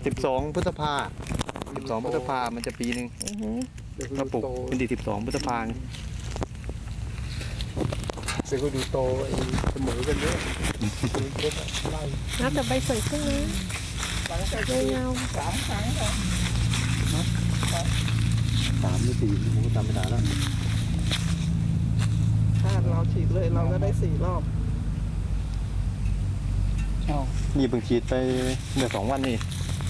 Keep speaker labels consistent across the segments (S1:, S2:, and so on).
S1: 12 พฤษภา12 พฤษภามันจะปีหนึ่งถ้าปลูกเป็นที่12 พฤษภา
S2: เสร็จก็ดูโตเสมอกันเยอะ
S3: นับแต่ใบสวยขึ้นนะ
S2: หลังจาก
S3: เงา
S2: 3 ครั้งแล้ว
S1: 3 หรือ 4ผมก็จำไม่ได้แล้ว
S2: ถ้าเราฉีดเลยเราก็ได้4 รอบ
S1: นี่เพิ่งฉีดไปเมื่อ2 วันนี่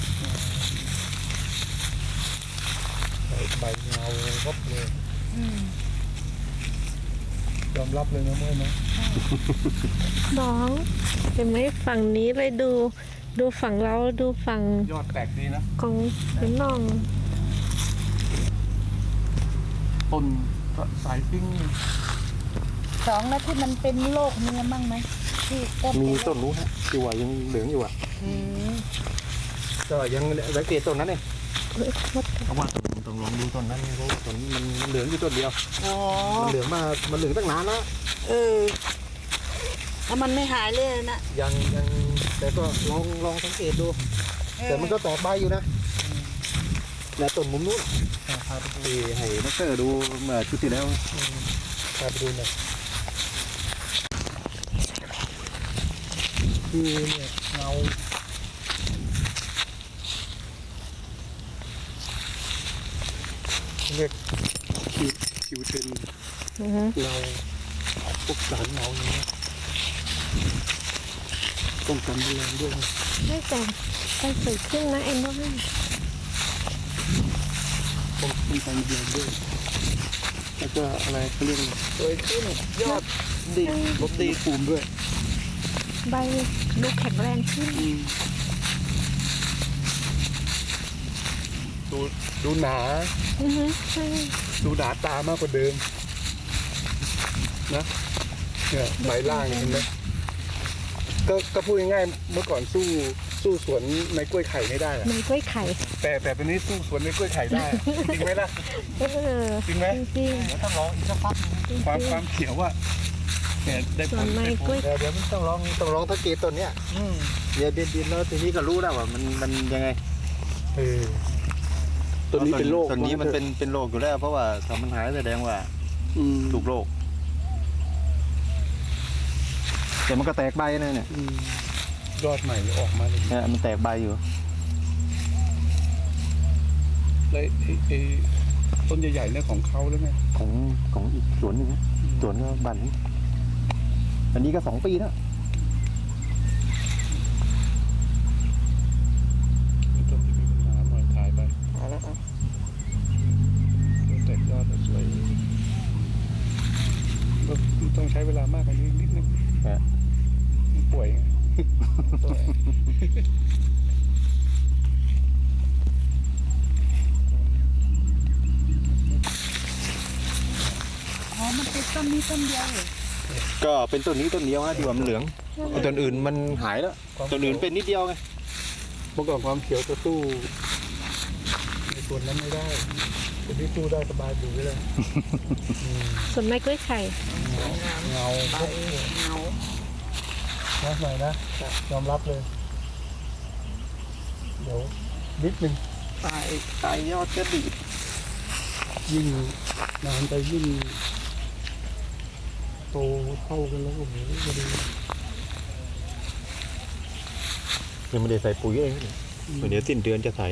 S2: ใบเงาวับเลยยอมรับเลยนะเมื่อนะ
S3: น้องเห็นไหมฝั่งนี้เลยดูฝั่งเราดูฝั่ง
S2: ยอดแตกดีนะ
S3: ของเป็นน้อง
S2: ต้นสายปิ้ง
S4: 2แล้วที่มันเป็นโรคมีมั่งไหมที่ต้น
S1: มีต้นรู้ฮะที่ว่ายังเหลืองอยู่อ่ะก็ยังสังเกตต้นนั้นเองเพราะว่าต้องลองดูต้นนั้นเพราะต้นมันเหลืองอยู่ต้นเดียวมันเหลืองมามันเหลืองตั้งนานแล้ว
S4: แล้วมันไม่หายเลยนะ
S1: ยังแต่ก็ลองสังเกตดูแต่มันก็แตกใบอยู่นะและต้นมุมนู้นพาไปดูให้นักเตอร์ดูเมื่อชุดที่แล้ว
S2: พาไปดูหน่อยคือเนี่ยเงาเรียกคิวเทนเงาพวกสารเงาอย่างนี้ต้องกันดูแลด้วย
S3: ไม่แต่ใบสวยขึ้นนะเอ็นว่า
S2: ต้องกันดูแลด้วยแล้วก็อะไรเขาเรียกสวยขึ้นยอดดีลบดีปูมด้วย
S3: ใบดูแข็งแรงขึ้น
S2: ดูหนาดูหนาตามากกว่าเดิมนะเนี่ยใบล่างเห็นไหมก็พูดง่ายๆเมื่อก่อนสู้สวนในกล้วยไข่ไม่ได้
S3: ในกล้วยไข่
S2: แต่ตอนนี้สู้สวนในกล้วยไข่ได้จริงไหมล่ะจริงไหม
S3: จริง
S2: แล้วต้องลองอีกสักพักความเขียวว่าเนี่ยได้ผล
S1: เดี๋ยวมันต้องลองสังเกตต้นเนี้ยเดี๋ยวดินแล้วทีนี้ก็รู้แล้วว่ามันยังไง
S2: ตัวนี้เป็นโรค
S1: ตัวนี้มันเป็นโรคอยู่แล้วเพราะว่าถ้ามันหายแสดงว่าถูกโรคแต่มันก็แตกใบนะเนี่ย
S2: ยอดใหม่ออกมาเลย
S1: เนี่ยมันแตกใบอยู่
S2: แล้วไอ้ต้นใหญ่ๆเนี่ยของเขาแล้วไง
S1: ของอีกสวนหนึ่งนะสวนก็บันนี้อันนี้ก็2 ปีแล้ว
S2: ต้นที่มีปัญหาหน่อยถ่ายไปแล้วแตกยอดสวยต้องใช้เวลามากกว่านี้นิดนึงป่วย
S4: มันเป็นต้นนี้ต้นเดียวเลย
S1: ก็เป็นต้นนี้ต้นเดียวฮะที่ว่ามันเหลืองต้นอื่นมันหายแล้วต้นอื่นเป็นนิดเดียวไง
S2: เมื่อก่อนความเขียวจะสู้ในส่วนนั้นไม่ได้ตัวนี้สู้ได้สบายอยู่เลย
S3: ส่วนไม้กล้วยไข่
S2: เงานะหน่อยนะยอมรับเลยเดี๋ยวนิดนึง
S1: ตายยอดจะดี
S2: ยิ่งนานไปยิ่งโตเท่ากันแล้วโอ้โหจะดี
S1: ยังไม่ได้ใส่ปุ๋ยเองเดี๋ยวสิ้นเดือนจะใส่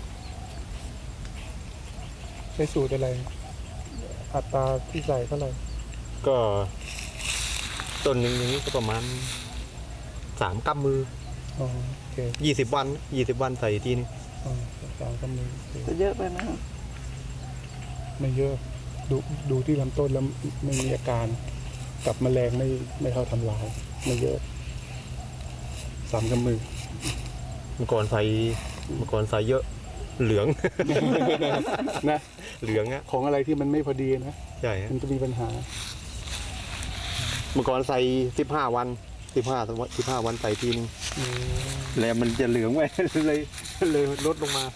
S2: ใช้สูตรอะไรอัตราที่ใส่เท่าไหร่
S1: ก็ต้นหนึ่งอย่างนี้ก็ประมาณ3 กำมือ20 วันใส่ทีนึง
S2: 3 กำมือ
S4: เยอะไปไหม
S2: ไม่เยอะดูที่ลำต้นแล้วไม่มีอาการกับแมลงไม่เท่าทำลายไม่เยอะ3 กำมือ
S1: เมื่อก่อนใส่เยอะเหลือง
S2: นะ
S1: เหลืองอะ
S2: ของอะไรที่มันไม่พอดีนะ
S1: ใช่
S2: มันจะมีปัญหา
S1: เมื่อก่อนใส่15 วัน15 วันใส่ทีนึงแล้วมันจะเหลืองไว้เลยลดลงมา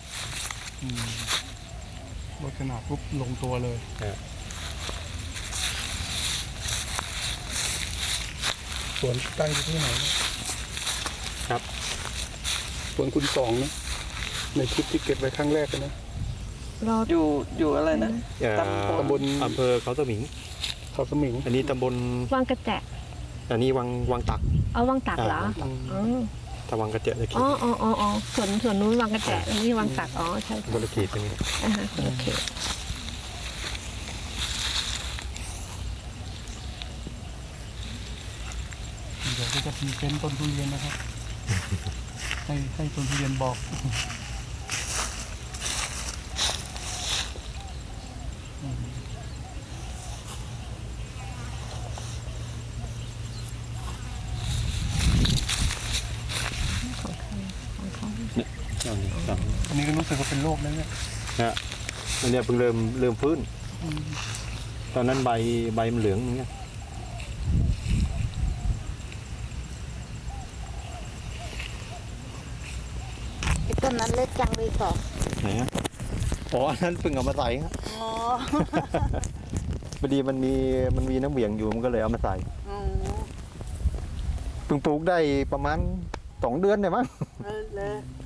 S2: ลดขนาดปุ๊บลงตัวเลยสวนตั้งอยู่ที่ไหนครับสวนคุณ2นะในคลิปที่เก็บไว้ครั้งแรกนะ
S3: รอ
S5: อยู่อะไรนะ
S2: ตำบล
S1: อำเภอเขาสมิง
S2: เขาสมิง
S1: อันนี้ตำบล
S3: วังกระแจ
S1: อันนี้วังตัก
S3: เอาวังตักเหรออ๋อ
S1: ถ้าวังกระเจาะจะคิด
S3: อ๋อส่วนนู้นวังกระแจอันนี้วังตักอ๋อใช่
S1: บริเกตตรงนี้
S3: โอเค
S2: เดี๋ยวก็จะพรีเซนต์ต้นทุเรียนนะครับ ให้ต้นทุเรียนบอก
S1: อันนี้สอง
S2: อันนี้ก็รู้สึกว่าเป็นโรคแล้วเนี่ย
S1: นะอันเนี้ยเพิ่งเริ่มฟื้น ตอนนั้นใบมันเหลืองอย่างเงี้ย
S4: ไอ้ต้นนั้นเล็กจังเลยสอง
S1: ไหนฮะอ๋ออันนั้นเพิ่งเอามาใส่ครับ
S4: อ๋อ
S1: พอดีมันมีน้ำเหวี่ยงอยู่มันก็เลยเอามาใส่
S4: อ๋อ
S1: เพิ่งปลูกได้ประมาณ2 เดือนเนี่ยมั้ง
S4: เลย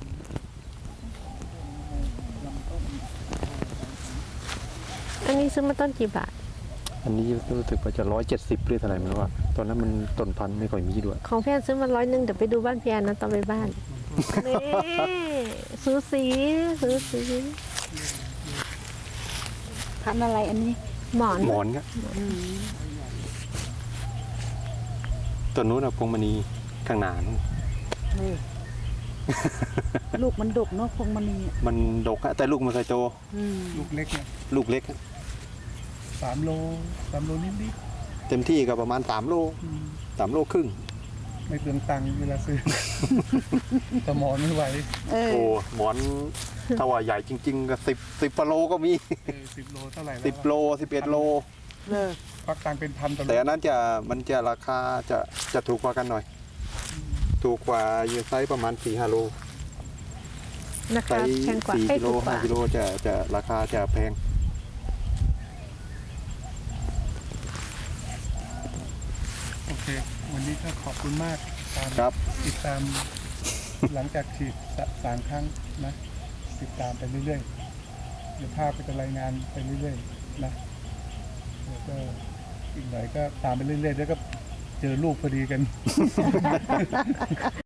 S3: อันนี้ซื้อมาต้นกี่บาท
S1: อันนี้รู้สึกว่าจะ170หรือเท่าไหร่ไม่รู้ว่าตอนนั้นมันต้นพันธุ์ไม่ค่อยมีด้วย
S3: ของพี่แอนซื้อมา100เดี๋ยวไปดูบ้านพี่แอนนะตอนไปบ้านนี่สูสีสูสี
S4: พันธุ์อะไรอันนี้
S3: หมอน
S1: หมอนครับ
S4: อืม
S1: ต้นนู้นอะพวงมณีข้างหน้านู่น
S4: นี่ ลูกมันดกเนาะพวงมณีอ่ะ
S1: มันดกอะแต่ลูกมันเคยโต
S4: อืม
S2: ลูกเล็กเนี่ย
S1: ลูกเล็กอะ
S2: 3 โลนิด
S1: เต็มที่ก็ประมาณ3 โล
S2: ๆ
S1: 3 โลครึ่ง
S2: ไม่เปลืองตังค์เวลาซื้อ แต่หมอนไม่ไหว
S4: เออ
S1: โอ้หมอนถ้าว่าใหญ่จริงๆก็10 โลก็มี
S2: 10 โลเท่าไหร่แล้ว
S1: 10 โล11 โล
S4: เลย
S2: ควักตังค์เป็นพันต่อโล
S1: แต่อันนั้นมันจะราคาจะถูกกว่ากันหน่อย ถูกกว่าอยู่ไซส์ประมาณ 4-5 โล
S3: นะ
S1: ไซ
S3: คะ
S1: ส์
S3: แพงกว่า
S1: 4 กิโล
S3: ถูกกว่า
S1: 5 กิโลจะราคาจะแพง
S2: โอเค วันนี้ก็ขอบคุณมากตาม
S1: ครับ
S2: ติดตามหลังจากฉีด3 ครั้งนะ ติดตามไปเรื่อยๆเดี๋ยวภาพก็จะรายงานไปเรื่อยๆนะแล้วก็อีกหน่อยก็ตามไปเรื่อยๆแล้วก็เจอลูกพอดีกัน